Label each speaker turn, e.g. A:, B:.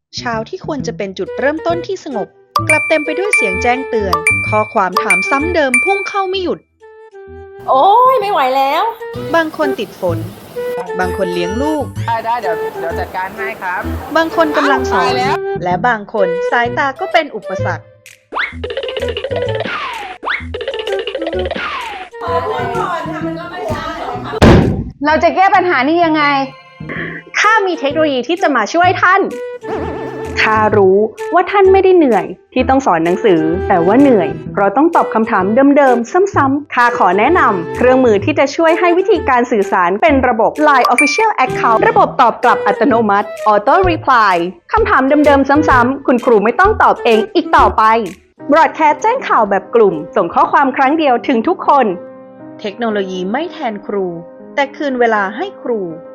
A: เช้าที่ควรจะเป็นจุดเริ่มต้นที่สงบกลับเต็มไปด้วยเสียงแจ้งเตือนข้อความถามซ้ำเดิมพุ่งเข้าไม่หยุด
B: โอ้ยไม่ไหวแล้ว
A: บางคนติดฝนบางคนเลี้ยงลูก
C: ได้เดี๋ยวจัดการให้ครับ
A: บางคนกำลังสอ
C: ตาย
A: น
C: แล้ว
A: และบางคนสายตาก็เป็นอุปสรรค
D: เราจะแก้ปัญหานี้ยังไง ข้ามีเทคโนโลยีที่จะมาช่วยท่าน ข้ารู้ว่าท่านไม่ได้เหนื่อยที่ต้องสอนหนังสือ แต่ว่าเหนื่อยเพราะต้องตอบคำถามเดิมๆ ซ้ำๆ ข้าขอแนะนำเครื่องมือที่จะช่วยให้วิธีการสื่อสารเป็นระบบ Line Official Account ระบบตอบกลับอัตโนมัติ Auto Reply คำถามเดิมๆ ซ้ำๆ คุณครูไม่ต้องตอบเองอีกต่อไป Broadcast แจ้งข่าวแบบกลุ่ม ส่งข้อความครั้งเดียวถึงทุกคน
A: เทคโนโลยีไม่แทนครูแต่คืนเวลาให้ครู